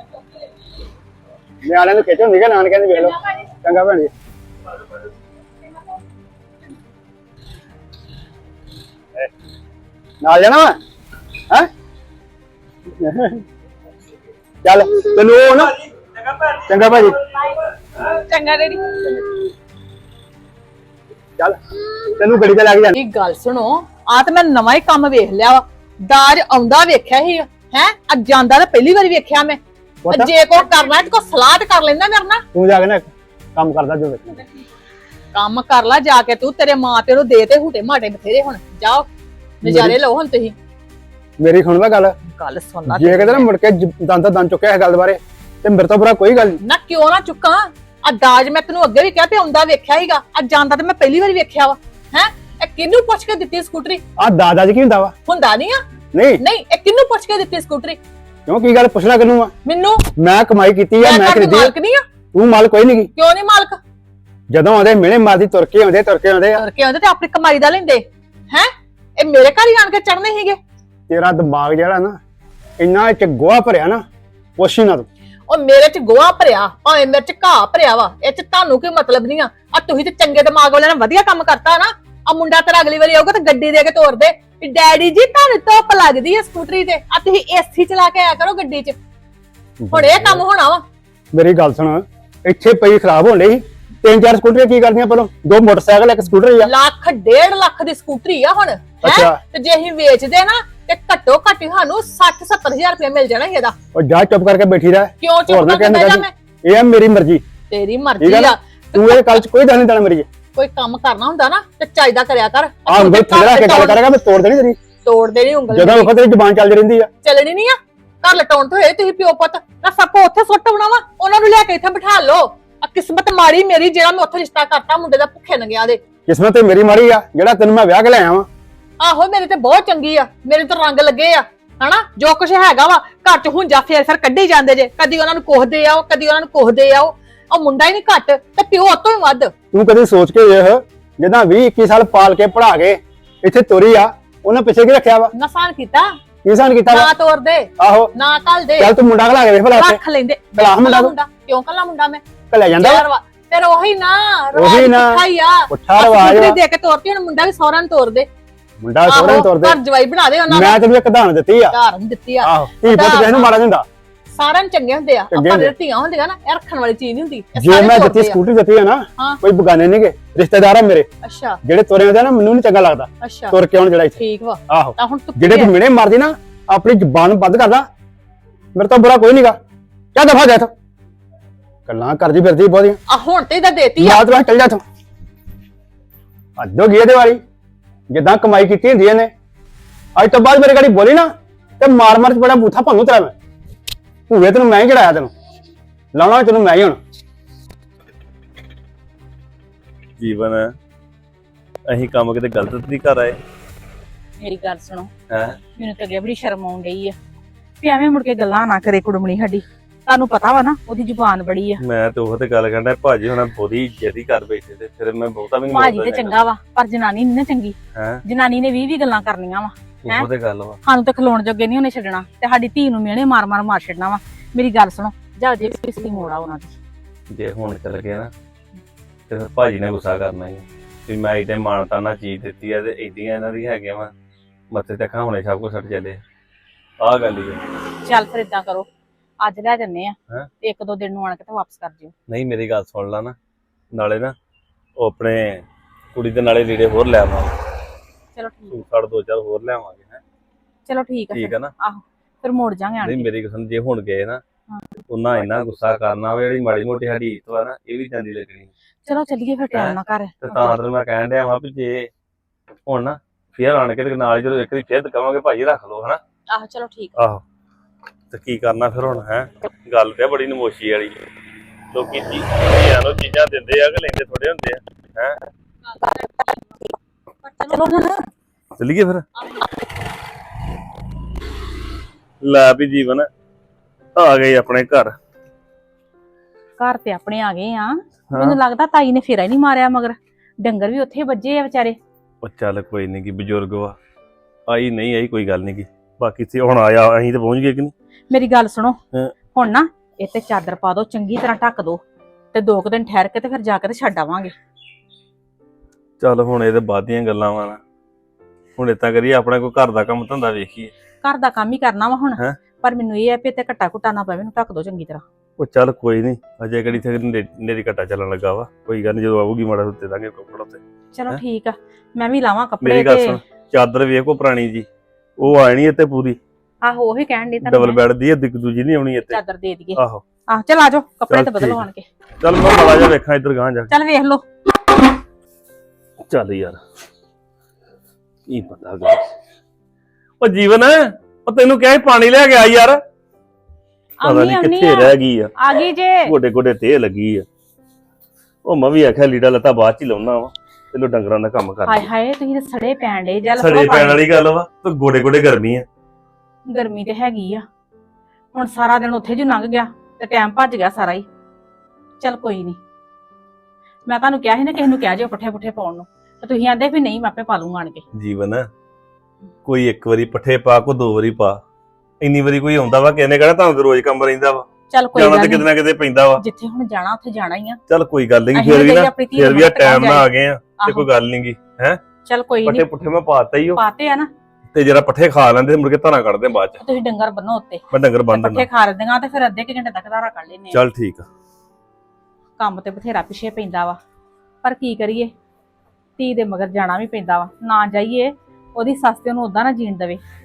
C: ਨਿਆਣਿਆਂ ਨੂੰ ਖਿੱਚ ਹੁੰਦੀ ਕਿ ਨਾਨਕਿਆਂ ਦੀ ਵੇਖ ਲਓ। ਚੰਗਾ ਭੈਣ ਜੀ। ਨਾਲ ਜਾਣਾ ਵਾ ਹੈ? ਚੱਲ ਤੈਨੂੰ ਉਹ ਨਾ,
D: ਚੰਗਾ ਭੈਣ ਜੀ।
C: ਚੰਗਾ ਭਾਜੀ,
B: ਚੰਗਾ ਡੈਡੀ।
C: ਚੱਲ ਤੈਨੂੰ ਗੱਡੀ ਤੇ ਲੱਗ ਜਾ।
E: ਇਹ ਗੱਲ ਸੁਣੋ, ਆ ਤਾਂ ਮੈਂ ਨਵਾਂ ਹੀ ਕੰਮ ਵੇਖ ਲਿਆ ਵਾ। ਦਾਜ ਆਉਂਦਾ ਵੇਖਿਆ ਸੀ ਹੈ, ਅੱਜ ਜਾਂਦਾ ਤਾਂ ਪਹਿਲੀ ਵਾਰੀ ਵੇਖਿਆ ਮੈਂ।
C: ਪੁੱਤ
E: ਜੇ ਕੋ ਕਰਨਾ ਤੇ ਕੋ ਸਲਾਹ ਤੇ ਕਰ ਲੈਂਦਾ ਮੇਰੇ ਨਾਲ।
C: ਤੂੰ ਜਾ ਕੇ ਨਾ ਕੰਮ ਕਰਦਾ ਜੋ ਵੇਖਣਾ।
E: ਕੰਮ ਕਰ ਲੈ ਜਾ ਕੇ ਤੂੰ, ਤੇਰੇ ਮਾਂ ਪਿਓ ਨੂੰ ਦੇ ਤੇ ਹੂਟੇ ਮਾਟੇ ਬਥੇਰੇ ਹੁਣ, ਜਾਓ ਨਜ਼ਾਰੇ ਲਓ ਹੁਣ ਤੁਸੀਂ।
C: ਮੇਰੀ ਸੁਣਵਾ ਗੱਲ,
E: ਗੱਲ ਸੁਣ ਲੈ
C: ਜੇ ਕਿਤੇ ਨਾ ਮੁੜ ਕੇ ਜ- ਦੰਦ ਦੰਦ ਚੁੱਕਿਆ ਇਸ ਗੱਲ ਬਾਰੇ ਤੇ ਮੇਰੇ ਤੋਂ ਬੁਰਾ ਕੋਈ ਗੱਲ ਨਹੀਂ।
E: ਨਾ ਕਿਉਂ ਨਾ ਚੁੱਕਾਂ, ਆ ਦਾਜ ਮੈਂ ਤੈਨੂੰ ਅੱਗੇ ਵੀ ਕਿਹਾ ਤੇ ਆਉਂਦਾ ਵੇਖਿਆ ਹੀਗਾ, ਅੱਜ ਜਾਂਦਾ ਤੇ ਮੈਂ ਪਹਿਲੀ ਵਾਰੀ ਵੇਖਿਆ ਵਾ। ਹੈ ਇਹ ਕਿਹਨੂੰ ਪੁੱਛ ਕੇ ਦਿੱਤੀ ਸਕੂਟਰੀ?
C: ਆ ਦਾਦਾ ਜੀ ਕੀ ਹੁੰਦਾ ਵਾ?
E: ਹੁੰਦਾ ਨਹੀਂ ਆ?
C: ਨਹੀਂ
E: ਨਹੀਂ ਇਹ ਕਿਹਨੂੰ ਪੁੱਛ ਕੇ ਦਿੱਤੀ ਸਕੂਟਰੀ?
C: ਕਿਉਂ ਕੀ ਗੱਲ ਪੁੱਛਣਾ ਕਿਨੂੰ ਆ?
E: ਮੈਨੂੰ।
C: ਮੈਂ ਕਮਾਈ ਕੀਤੀ ਆ,
E: ਮੈਂ
C: ਮੈਂ
E: ਤਾਂ
C: ਖਰੀਦੀ ਆ।
E: ਮਾਲਕ ਨਹੀਂ ਆ।
C: ਤੂੰ ਮਾਲ ਕੋਈ ਨਹੀਂ ਗੀ।
E: ਕਿਉਂ ਨਹੀਂ ਮਾਲਕ?
C: ਜਦੋਂ ਆਉਂਦੇ ਮਿਹਣੇ ਮਾਰਦੀ ਤੁਰ ਕੇ ਆਉਂਦੇ ਤੁਰ ਕੇ ਆਉਂਦੇ ਆ।
E: ਤੁਰ ਕੇ ਆਉਂਦੇ ਤੇ ਆਪਣੀ ਕਮਾਈ ਦਾ ਲੈਂਦੇ ਹੈ। ਇਹ ਮੇਰੇ ਘਰ ਹੀ ਆਣ ਕੇ ਚੜਨੇ ਸੀਗੇ।
C: ਤੇਰਾ ਦਿਮਾਗ ਜਿਹੜਾ ਨਾ ਇੰਨਾ ਇਹ ਚ ਗੋਹਾ ਭਰਿਆ ਨਾ, ਪੁੱਛ ਹੀ ਨਾ ਤੂੰ।
E: ਉਹ ਮੇਰੇ ਚ ਗੋਹਾ ਭਰਿਆ ਭਾਵੇਂ ਮੇਰੇ ਚ ਘਾਹ ਭਰਿਆ ਵਾ, ਇਹ ਚ ਤੁਹਾਨੂੰ ਕੋਈ ਮਤਲਬ ਨਹੀਂ ਆ। ਆ ਤੁਸੀਂ ਤੇ ਚੰਗੇ ਦਿਮਾਗ ਵਾਲਿਆਂ ਨੇ ਵਧੀਆ ਕੰਮ ਕਰਤਾ ਨਾ। ਆ ਮੁੰਡਾ ਤੇਰਾ ਅਗਲੀ ਵਾਰੀ ਆਊਗਾ ਤੇ ਗੱਡੀ ਦੇ ਕੇ ਤੋਰ ਦੇ ਵੀ ਡੈਡੀ ਜੀ ਤੁਹਾਨੂੰ ਧੁੱਪ ਲੱਗਦੀ ਹੈ ਸਕੂਟਰੀ ਤੇ, ਆ ਤੁਸੀਂ ਏਸੀ ਚਲਾ ਕੇ ਆਇਆ ਕਰੋ ਗੱਡੀ ਚ। ਹੁਣ ਇਹ ਕੰਮ ਹੋਣਾ ਵਾ।
C: ਮੇਰੀ ਗੱਲ ਸੁਣ, ਇੱਥੇ ਪਈ ਖਰਾਬ ਹੋਣ ਲਈ ਤਿੰਨ ਚਾਰ ਸਕੂਟਰੀਆਂ ਕੀ ਕਰਦੀਆਂ ਪਹਿਲਾਂ? ਦੋ ਮੋਟਰਸਾਈਕਲ ਇੱਕ ਸਕੂਟਰ ਆ।
E: ਲੱਖ ਡੇਢ ਲੱਖ ਦੀ ਸਕੂਟਰੀ ਆ ਹੁਣ ਹੈ।
C: ਅੱਛਾ।
E: ਤੇ ਜੇ ਅਸੀਂ ਵੇਚਦੇ ਨਾ ਤੇ ਘੱਟੋ ਘੱਟ ਸਾਨੂੰ ਸੱਠ ਸੱਤਰ ਹਜ਼ਾਰ ਰੁਪਏ ਮਿਲ ਜਾਣਾ ਇਹਦਾ।
C: ਉਹ ਜਾ ਚੁੱਪ ਕਰਕੇ ਬੈਠੀ ਰਹਿ।
E: ਕਿਉਂ
C: ਹੋਰ
E: ਚੁੱਪ
C: ਨਾ
E: ਕਰਕੇ
C: ਕਹਿੰਦਾ
E: ਬਹਿ ਜਾ
C: ਜੀ।
E: ਮੈਂ?
C: ਇਹ ਆ ਮੇਰੀ ਮਰਜ਼ੀ।
E: ਤੇਰੀ
C: ਠੀਕ
E: ਮਰਜ਼ੀ
C: ਆ ਨਾ?
E: ਆ।
C: ਤੂੰ ਇਹ ਕੱਲ ਚ ਕੋਈ ਗੱਲ ਨਹੀਂ ਦੇਣਾ ਮੇਰੀ।
E: ਕੋਈ ਕੰਮ ਕਰਨਾ ਹੁੰਦਾ ਨਾ ਤੇ ਚਾਹੀਦਾ ਕਰਿਆ ਕਰ।
C: ਆ ਉਂਗਲ ਥੱਲੇ ਰੱਖ ਕੇ ਗੱਲ ਕਰੇਗਾ ਮੈਂ ਤੋੜ ਦੇਣੀ ਤੇਰੀ।
E: ਤੋੜ ਦੇਣੀ ਉਂਗਲ।
C: ਜਦੋਂ ਵਕਤ ਤੇਰੀ ਜ਼ੁਬਾਨ ਚੱਲਦੀ ਰਹਿੰਦੀ ਆ।
E: ਚੱਲਣੀ ਨਹੀਂ ਆ। ਘਰ ਲਟਾਉਣ ਤੋਂ ਹੋਏ ਤੁਸੀਂ ਪਿਓ ਪੁੱਤ ਨਾ ਸਭ ਕੋ ਉੱਥੇ ਸੁੱਟ ਬਣਾਵਾ, ਉਹਨਾਂ ਨੂੰ ਲਿਆ ਕੇ ਇੱਥੇ ਬਿਠਾ ਲਓ। ਆ ਕਿਸਮਤ ਮਾੜੀ ਮੇਰੀ ਜਿਹੜਾ ਮੈਂ ਉੱਥੇ ਰਿਸ਼ਤਾ ਕਰਤਾ ਮੁੰਡੇ ਦਾ ਭੁੱਖੇ ਨੰਗਿਆਂ ਦੇ।
C: ਕਿਸਮਤ ਤੇ ਮੇਰੀ ਮਾੜੀ ਆ ਜਿਹੜਾ ਤੈਨੂੰ ਮੈਂ ਵਿਆਹ ਕੇ ਲੈ ਆਇਆ ਵਾਂ।
E: ਆਹੋ ਮੇਰੀ ਤੇ ਬਹੁਤ ਚੰਗੀ ਆ, ਮੇਰੇ ਤੇ ਰੰਗ ਲੱਗੇ ਆ ਹਨਾ। ਜੋ ਕੁਛ ਹੈਗਾ ਵਾ ਘਰ ਚ ਹੁੰਜਾ ਫੇਰ ਫੇਰ ਕੱਢੀ ਜਾਂਦੇ ਜੇ, ਕਦੀ ਉਹਨਾਂ ਨੂੰ ਕੋਹਦੇ ਆਓ ਕਦੀ ਉਹਨਾਂ ਨੂੰ ਕੋਹਦੇ ਆਓ। ਉਹ ਮੁੰਡਾ ਹੀ ਨਹੀਂ ਘੱਟ ਤੇ ਪਿਓ ਉਹ ਤੋਂ ਹੀ ਵੱਧ।
C: ਤੂੰ ਕਦੇ ਸੋਚ ਕੇ ਵੇਖ, ਜਿੱਦਾਂ ਵੀਹ ਇੱਕੀ ਸਾਲ ਪਾਲ ਕੇ ਪੜਾ ਕੇ ਇੱਥੇ ਤੁਰੀ ਆ, ਉਹਨਾਂ ਪਿੱਛੇ ਕੀ ਰੱਖਿਆ ਵਾ?
E: ਨਸਾਨ ਕੀਤਾ
C: ਕਿਸਾਨ ਕੀਤਾ ਵਾ?
E: ਨਾ ਤੋੜ ਦੇ
C: ਆਹੋ
E: ਨਾ ਕੱਲ ਦੇ,
C: ਚੱਲ ਤੂੰ ਮੁੰਡਾ ਘਲਾ ਕੇ ਵੇਖ ਭਲਾ ਉੱਥੇ
E: ਰੱਖ ਲੈਂਦੇ।
C: ਕਲਾ ਮੁੰਡਾ ਤੂੰ।
E: ਮੁੰਡਾ ਕਿਉਂ ਕੱਲਾ ਮੁੰਡਾ ਮੈਂ
C: ਘਲਿਆ ਜਾਂਦਾ ਵਾ।
E: ਯਾਰ ਵਾ ਫਿਰ ਉਹੀ ਨਾ
C: ਉਹੀ ਨਾ।
E: ਪੁੱਠਾ ਹੀ ਆ।
C: ਪੁੱਠਾ ਰਿਵਾਜ ਵਾ।
E: ਦੇ ਕੇ ਤੋਰਤੀ ਹੁਣ ਮੁੰਡਾ ਵੀ ਸਹੁਰਾ ਨੂੰ ਤੋਰ ਦੇ।
C: ਮੁੰਡਾ ਸੋਹਣੇ
E: ਆਹੋ,
C: ਤੁਰਦੇ।
E: ਘਰ ਜਵਾਈ ਬਣਾ ਦੇ ਉਹਨਾਂ
C: ਮੈਂ ਤੈਨੂੰ ਇੱਕ ਧਾਰਨ ਦਿੱਤੀ ਆ।
E: ਧਾਰਨ ਦਿੱਤੀ ਆ।
C: ਆਹੋ ਧੀ ਪੁੱਤ ਕਿਸੇ ਨੂੰ ਮਾੜਾ ਨਹੀਂ ਹੁੰਦਾ।
E: ਸਾਰਿਆਂ ਨੂੰ ਚੰਗੇ ਹੁੰਦੇ ਆ,
C: ਚੰਗੇ
E: ਆਪਾਂ
C: ਹੁੰਦੇ।
E: ਦੇ ਧੀਆਂ ਹੁੰਦੀਆਂ ਨਾ ਇਹ ਰੱਖਣ ਵਾਲੀ ਚੀਜ਼ ਨਹੀਂ ਹੁੰਦੀ। ਇਹ
C: ਜੇ
E: ਸਾਰੇ
C: ਮੈਂ
E: ਤੋਰਦੇ
C: ਦਿੱਤੀ
E: ਆ।
C: ਸਕੂਟਰੀ ਦਿੱਤੀ ਆ ਨਾ,
E: ਹਾਂ।
C: ਕੋਈ ਬਗਾਨੇ ਨਹੀਂਗੇ, ਰਿਸ਼ਤੇਦਾਰ ਆ ਮੇਰੇ।
E: ਅੱਛਾ
C: ਜਿਹੜੇ ਤੁਰੇ ਹੁੰਦੇ ਆ ਨਾ ਮੈਨੂੰ ਨਹੀਂ ਚੰਗਾ ਲੱਗਦਾ
E: ਅੱਛਾ
C: ਤੁਰ ਕੇ ਆਉਣ ਜਿਹੜਾ ਇੱਥੇ।
E: ਠੀਕ ਵਾ।
C: ਆਹੋ
E: ਤਾਂ ਹੁਣ ਤੂੰ
C: ਜਿਹੜੇ ਤੂੰ ਮਿਹਣੇ ਮਾਰਦੀ ਨਾ, ਆਪਣੀ ਜ਼ੁਬਾਨ ਬੰਦ ਕਰਦਾ। ਮੇਰੇ ਤੋਂ ਬੁਰਾ ਕੋਈ ਨਹੀਂਗਾ। ਕਿਆ ਦਫਾ ਜਾ ਇੱਥੋਂ, ਗੱਲਾਂ ਕਰਦੀ ਫਿਰਦੀ ਬਹੁਤੀਆਂ।
E: ਆ ਹੁਣ ਤੇ ਇਹਦਾ ਦੇਤੀ ਆ।
C: ਯਾਦ ਰੱਖ ਚੱਲ ਜਾ ਇੱਥੋਂ। ਹੱਦ ਹੋ ਗਈ ਇਹਦੇ ਵਾਲੀ, ਜਿੱਦਾਂ ਕਮਾਈ ਕੀਤੀ ਹੁੰਦੀ ਇਹਨੇ। ਅੱਜ ਤੋਂ ਬਾਅਦ ਮੇਰੇ ਗਾੜੀ ਬੋਲੀ ਨਾ ਤੇ ਮਾਰ ਮਾਰ ਚ ਬੜਾ ਬੂਥਾ ਭੰਨੂ ਤੇਰਾ ਮੈਂ। ਭੂਏ ਤੈਨੂੰ ਮੈਂ ਹੀ ਚੜਾਇਆ, ਤੈਨੂੰ ਲਾਉਣਾ ਤੈਨੂੰ ਮੈਂ ਹੀ ਹੁਣ।
D: ਜੀਵਨ ਅਸੀਂ ਕੰਮ ਕਿਤੇ ਗਲਤ ਨਹੀਂ ਕਰ ਆਏ
A: ਮੇਰੀ ਗੱਲ ਸੁਣੋ,
D: ਹੈ।
A: ਮੈਨੂੰ ਤਾਂ ਅੱਗੇ ਬੜੀ ਸ਼ਰਮ ਆਉਣ ਡਈ ਆ ਵੀ ਐਵੇਂ ਮੁੜ ਕੇ ਗੱਲਾਂ ਨਾ ਕਰੇ ਕੁੜਮਣੀ ਸਾਡੀ। ਤੁਹਾਨੂੰ ਪਤਾ ਵਾ ਨਾ ਉਹਦੀ ਜ਼ੁਬਾਨ ਬੜੀ ਆ।
D: ਮੈਂ ਤੇ ਉਹ ਤੇ ਗੱਲ ਕਰਦਾ ਭਾਜੀ ਹੁਣ ਬਹੁਤੀ ਜਿੱਦੀ ਕਰ ਬੈਠੇ ਤੇ ਫਿਰ ਮੈਂ ਬਹੁਤਾ ਵੀ ਨਹੀਂ
A: ਭਾਜੀ ਤੇ ਚੰਗਾ ਵਾ ਪਰ ਜਨਾਨੀ ਨਹੀਂ ਨਾ ਚੰਗੀ।
D: ਹੈ
A: ਜਨਾਨੀ ਨੇ ਵੀਹ ਵੀਹ ਗੱਲਾਂ ਕਰਨੀਆਂ ਵਾ।
D: ਉਹ ਤੇ ਗੱਲ ਵਾ।
A: ਸਾਨੂੰ ਤਾਂ ਖਲੋਣ ਜੋਗੇ ਨਹੀਂ ਉਹਨੇ ਛੱਡਣਾ ਤੇ ਸਾਡੀ ਧੀ ਨੂੰ ਮਿਹਣੇ ਮਾਰ ਮਾਰ ਮਾਰ ਛੱਡਣਾ ਵਾ। ਮੇਰੀ ਗੱਲ ਸੁਣੋ, ਜਾ ਜੇ ਕਿਸੇ ਦੀ ਮੋੜਾ ਉਹਨਾਂ ਦੀ।
D: ਜੇ ਹੁਣ ਚੱਲ ਗਏ ਨਾ ਤੇ ਫਿਰ ਭਾਜੀ ਨੇ ਗੁੱਸਾ ਕਰਨਾ ਹੀ ਵੀ ਮੈਂ ਇਤੇ ਮਾਨਤਾ ਨਾਲ ਚੀਜ਼ ਦਿੱਤੀ ਆ ਤੇ ਇਦੀਆਂ ਇਹਨਾਂ ਦੀ ਹੈਗੀਆਂ ਵਾ ਮੱਥੇ ਤੇ ਅੱਖਾਂ ਹੁਣੇ ਸਭ ਕੁਝ ਛੱਡ ਚੱਲੇ। ਆਹ ਗੱਲ ਹੀ ਹੈ।
A: ਚੱਲ ਫਿਰ ਇਦਾਂ ਕਰੋ, ਅੱਜ ਲੈ ਜੰਨੇ ਆ
D: ਹੈਂ?
A: ਤੇ ਇੱਕ ਦੋ ਦਿਨ ਨੂੰ ਆਣ ਕੇ ਤੇ ਵਾਪਸ ਕਰ ਜਿਓ।
D: ਨਹੀਂ ਮੇਰੀ ਗੱਲ ਸੁਣ ਲਾ ਨਾ, ਨਾਲੇ ਨਾ ਉਹ ਆਪਣੇ ਕੁੜੀ ਦੇ ਨਾਲੇ ਲੀੜੇ ਹੋਰ ਲੈ ਆਵਾਂਗੇ।
A: ਚਲੋ ਠੀਕ
D: ਸੂਟ ਸਾੜ ਦੋ ਚਾਰ ਹੋਰ ਲੈ ਆਵਾਂਗੇ। ਹੈ
A: ਚਲੋ ਠੀਕ ਆ
D: ਠੀਕ
A: ਫਿਰ।
D: ਹੈ ਨਾ।
A: ਆਹੋ ਫਿਰ ਮੋੜ ਜਾਾਂਗੇ ਆਣ
D: ਨਹੀਂ
A: ਕੇ।
D: ਮੇਰੀ ਕਸਮ ਜੇ ਹੁਣ ਗਏ ਨਾ
A: ਹਾਂ।
D: ਉਹਨਾਂ ਇੰਨਾ ਗੁੱਸਾ ਕਰਨਾ ਵਾ, ਜਿਹੜੀ ਮਾੜੀ ਮੋਟੀ ਸਾਡੀ ਇੱਜ਼ਤ ਵਾ ਨਾ ਇਹ ਵੀ ਜਾਂਦੀ ਲੱਗਣੀ।
A: ਚਲੋ ਚੱਲੀਏ ਫਿਰ ਟਾਈਮ ਨਾਲ ਘਰ।
D: ਤੇ ਤਾਂ ਤਾਂ ਮੈਂ ਕਹਿਣ ਡਿਆ ਵਾਂ ਵੀ ਜੇ ਹੁਣ ਨਾ ਫੇਰ ਆਣ ਕੇ ਤੇ ਨਾਲ ਹੀ ਜਦੋਂ ਇੱਕ ਵਾਰੀ ਫੇਰ ਕਵਾਂਗੇ ਭਾਜੀ ਰੱਖ ਲਓ ਹਨਾ।
A: ਆਹੋ ਚਲੋ ਠੀਕ।
D: ਆਹੋ ਤੇ ਕੀ ਕਰਨਾ ਫਿਰ ਹੁਣ ਹੈ। ਗੱਲ ਤੇ ਬੜੀ ਨਮੋਸ਼ੀ ਵਾਲੀ ਲੋਕੀ ਚੀਜ਼ਾਂ ਨੂੰ ਚੀਜ਼ਾਂ ਦਿੰਦੇ ਆ ਕਿ ਲੈਂਦੇ ਥੋੜੇ ਹੁੰਦੇ ਆ। ਹੈ
A: ਚਲੋ ਨਾ
D: ਚੱਲੀਏ ਫਿਰ। ਲੈ ਵੀ ਜੀਵਨ ਆ ਗਏ ਆਪਣੇ ਘਰ।
A: ਘਰ ਤੇ ਆਪਣੇ ਆ ਗਏ ਆ। ਮੈਨੂੰ ਲੱਗਦਾ ਤਾਈ ਨੇ ਫੇਰਾ ਹੀ ਨਹੀਂ ਮਾਰਿਆ ਮਗਰ। ਡੰਗਰ ਵੀ ਉੱਥੇ ਵੱਜੇ ਆ ਵਿਚਾਰੇ।
D: ਉਹ ਚੱਲ ਕੋਈ ਨਹੀਂ, ਕੀ ਬਜ਼ੁਰਗ ਵਾ, ਆਈ ਨਹੀਂ ਆਈ ਕੋਈ ਗੱਲ ਨਹੀਂ ਗੀ। ਬਾਕੀ ਤੇ ਹੁਣ ਆਇਆ ਅਸੀਂ ਤੇ ਪਹੁੰਚ ਗਏ ਕਿ ਨਹੀਂ।
A: ਮੇਰੀ ਗੱਲ ਸੁਣੋ,
D: ਹਾਂ।
A: ਹੁਣ ਨਾ ਇਹ ਤੇ ਚਾਦਰ ਪਾ ਦੋ, ਚੰਗੀ ਤਰ੍ਹਾਂ ਢੱਕ ਦੋ ਤੇ ਦੋ ਕੁ ਦਿਨ ਠਹਿਰ ਕੇ ਤੇ ਫਿਰ ਜਾ ਕੇ ਤੇ ਛੱਡ ਆਵਾਂਗੇ।
D: ਚੱਲ ਹੁਣ ਇਹਦੇ ਬਾਅਦ ਦੀਆਂ ਗੱਲਾਂ ਵਾ ਨਾ, ਹੁਣ ਏਦਾਂ ਕਰੀਏ ਆਪਣਾ ਕੋਈ ਘਰ ਦਾ ਕੰਮ ਧੰਦਾ ਵੇਖੀਏ।
A: ਘਰ ਦਾ ਕੰਮ ਹੀ ਕਰਨਾ ਵਾ ਹੁਣ।
D: ਹੈਂ?
A: ਪਰ ਮੈਨੂੰ ਇਹ ਹੈ ਵੀ ਤੇ ਘੱਟਾ ਘੁੱਟਾ ਨਾ ਪਵੇ, ਇਹਨੂੰ ਢੱਕ ਦੋ ਚੰਗੀ ਤਰ੍ਹਾਂ।
D: ਉਹ ਚੱਲ ਕੋਈ ਨਹੀਂ, ਅਜੇ ਕਿਹੜੀ ਤੇ ਨੇਰੀ ਘਟਾ ਚੱਲਣ ਲੱਗਾ ਵਾ। ਕੋਈ ਗੱਲ ਨਹੀਂ, ਜਦੋਂ ਆਊਗੀ ਮਾੜਾ ਉੱਤੇ ਦਾਂਗੇ ਕੱਪੜਾ ਉੱਤੇ।
A: ਚਲੋ
D: ਹੈਂ?
A: ਠੀਕ ਆ, ਮੈਂ ਵੀ ਲਾਵਾਂ ਕੱਪੜੇ
D: ਮੇਰੀ ਗੱਲ
A: ਤੇ
D: ਸੁਣ, ਚਾਦਰ ਵੇਖੋ ਪੁਰਾਣੀ ਜੀ, ਉਹ ਆਣੀ ਇੱਥੇ ਪੂਰੀ।
A: ਆਹੋ ਉਹੀ ਕਹਿਣ ਦੀ
D: ਡਬਲ ਬੈੱਡ ਦੀ ਇੱਕ ਦੂਜੀ ਨਹੀਂ ਆਉਣੀ ਇੱਥੇ।
A: ਚਾਦਰ ਦੇ ਦਈਏ।
D: ਆਹੋ
A: ਆਹ ਚਲ ਆ ਜਾਓ ਕੱਪੜੇ
D: ਚੱਲ
A: ਤੇ ਬਦਲੋ
D: ਠੀਕ।
A: ਆਣ ਕੇ।
D: ਚੱਲ ਮੈਂ ਮਾੜਾ ਜਿਹਾ ਵੇਖਾਂ ਇੱਧਰ ਗਾਂ ਜਾ ਕੇ।
A: ਚੱਲ ਵੇਖ ਲਓ।
D: ਚੱਲ ਯਾਰ ਕੀ ਪਤਾ ਗੱਲ। ਉਹ ਜੀਵਨ ਉਹ ਤੈਨੂੰ ਕਿਹਾ ਸੀ ਪਾਣੀ ਲੈ ਕੇ ਆ ਯਾਰ। ਪਤਾ
A: ਆਉਣੀ
D: ਨਹੀਂ
A: ਆਉਣੀ
D: ਕਿੱਥੇ ਰਹਿ ਗਈ ਆ।
A: ਆ ਗਈ ਜੇ।
D: ਗੋਡੇ ਗੋਡੇ ਤੇ ਲੱਗੀ ਆ। ਉਹ ਮੈਂ ਵੀ ਆਖਿਆ ਲੀੜਾ ਲੱਤਾ ਬਾਅਦ ਚ ਹੀ ਲਾਉਣਾ ਵਾ ਪਹਿਲਾਂ ਡੰਗਰਾਂ ਦਾ ਕੰਮ ਕਰ।
A: ਹਾਏ ਹਾਏ ਤੁਸੀਂ ਤਾਂ ਸੜੇ ਪੈਣ ਡੇ ਜਲ
D: ਸੜੇ ਪੈਣ ਵਾਲੀ ਗੱਲ ਵਾ ਤੇ ਗੋਡੇ ਗੋਡੇ ਗਰਮੀ ਆ।
A: ਗਰਮੀ ਤੇ ਹੈਗੀ ਆ। ਹੁਣ ਸਾਰਾ ਦਿਨ ਉੱਥੇ ਜੂ ਲੰਘ ਗਿਆ ਤੇ ਟਾਈਮ ਭੱਜ ਗਿਆ ਸਾਰਾ ਹੀ। ਚਲ ਕੋਈ ਨਹੀਂ, ਮੈਂ ਤੁਹਾਨੂੰ ਕਿਹਾ ਸੀ ਨਾ ਕਿਸੇ ਨੂੰ ਕਹਿ ਜਿਓ ਪੱਠੇ ਪੁੱਠੇ ਪਾਉਣ ਨੂੰ, ਤੇ ਤੁਸੀਂ ਆਂਦੇ ਵੀ ਨਹੀਂ ਮੈਂ ਆਪੇ ਪਾ ਲੂੰਗਾ ਆਣ ਕੇ।
D: ਜੀਵਨ ਕੋਈ ਇੱਕ ਵਾਰੀ ਪੱਠੇ ਪਾ ਕੋ ਦੋ ਵਾਰੀ ਪਾ, ਇੰਨੀ ਵਾਰੀ ਕੋਈ ਆਉਂਦਾ ਵਾ ਕਿਹਨੇ ਕਹਿਣਾ ਤੁਹਾਨੂੰ ਤੇ ਰੋਜ਼ ਕੰਮ ਰਹਿੰਦਾ ਵਾ।
A: ਚਲ ਕੋਈ
D: ਜਾਣਾ
A: ਗੱਲ
D: ਤੇ ਕਿਤੇ
A: ਨਹੀਂ,
D: ਨਾ ਕਿਤੇ ਪੈਂਦਾ ਵਾ।
A: ਜਿੱਥੇ ਹੁਣ ਜਾਣਾ ਉੱਥੇ ਜਾਣਾ ਹੀ ਆ।
D: ਚੱਲ ਕੋਈ ਗੱਲ ਨਹੀਂ,
A: ਅਸੀਂ
D: ਫਿਰ ਵੀ
A: ਤਾਂ
D: ਨਾ
A: ਆਪਣੀ ਧੀ
D: ਫਿਰ
A: ਨੂੰ
D: ਵੀ ਆ
A: ਮੱਤ
D: ਟਾਈਮ ਨਾਲ
A: ਜਾਏ।
D: ਆ ਗਏ ਆ ਤੇ ਕੋਈ ਗੱਲ ਨਹੀਂਗੀ ਹੈ।
A: ਚਲ ਕੋਈ
D: ਪੱਠੇ
A: ਨਹੀਂ,
D: ਪੁੱਠੇ ਮੈਂ ਪਾਤਾ ਹੀ ਉਹ
A: ਪਾਤੇ ਆ ਨਾ।
D: ਤੇ ਜਰਾ ਪੱਠੇ ਖਾ ਲੈਂਦੇ ਮੁੜ ਕੇ ਧਾਰਾਂ ਕੱਢਦੇ ਬਾਅਦ ਚ।
A: ਤੁਸੀਂ ਡੰਗਰ ਬੰਨੋ ਉੱਤੇ,
D: ਮੈਂ ਡੰਗਰ ਬੰਨ
A: ਪੱਠੇ
D: ਦਿੰਦਾ।
A: ਖਾ ਲੈਂਦੀਆਂ ਤੇ ਫਿਰ ਅੱਧੇ ਕੁ ਘੰਟੇ ਤੱਕ ਧਾਰਾ ਕੱਢ ਲੈਨੇ ਆ।
D: ਚੱਲ ਠੀਕ ਆ।
A: ਕੰਮ ਤੇ ਬਥੇਰਾ ਪਿੱਛੇ ਪੈਂਦਾ ਵਾ, ਪਰ ਕੀ ਕਰੀਏ, ਧੀ ਦੇ ਮਗਰ ਜਾਣਾ ਵੀ ਪੈਂਦਾ ਵਾ। ਨਾ ਜਾਈਏ ਉਹਦੀ ਸੱਸ ਤੇ ਉਹਨੂੰ ਉਦਾਂ ਨਾ ਜੀਣ ਦੇਵੇ।